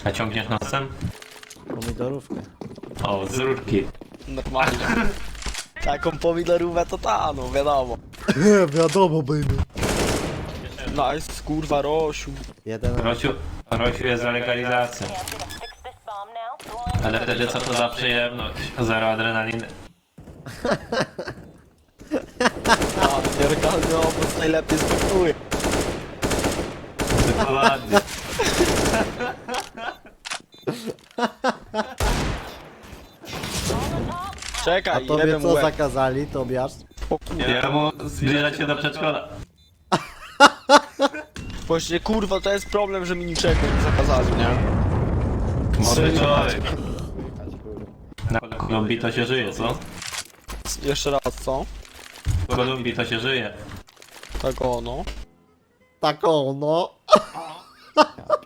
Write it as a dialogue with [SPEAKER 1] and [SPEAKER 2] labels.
[SPEAKER 1] A ciągniesz nosem?
[SPEAKER 2] Pomidorówkę.
[SPEAKER 1] O, z rurki.
[SPEAKER 3] Normalnie. Taką pomidorówę to ta, no wiadomo.
[SPEAKER 2] Wiadomo, baby.
[SPEAKER 3] Nice, kurwa, Rosiu.
[SPEAKER 2] Jeden.
[SPEAKER 1] Rosiu jest za legalizacją. Ale wtedy co to za przyjemność? Zero adrenaliny.
[SPEAKER 3] A, nielegalny obóz najlepiej smakuje.
[SPEAKER 1] Dokładnie.
[SPEAKER 2] A
[SPEAKER 3] Czekaj,
[SPEAKER 2] tobie
[SPEAKER 3] jeden
[SPEAKER 2] co
[SPEAKER 3] łeb.
[SPEAKER 2] zakazali, Tobiasz?
[SPEAKER 3] O kurwa.
[SPEAKER 1] Ja mu zbliżać się do przedszkola.
[SPEAKER 3] Właśnie kurwa, to jest problem, że mi niczego nie zakazali, nie?
[SPEAKER 1] Młody człowiek. Na Kolumbii to się żyje, co?
[SPEAKER 3] Jeszcze raz, co?
[SPEAKER 1] W Kolumbii to się żyje.
[SPEAKER 3] Tak ono.
[SPEAKER 2] Tak ono.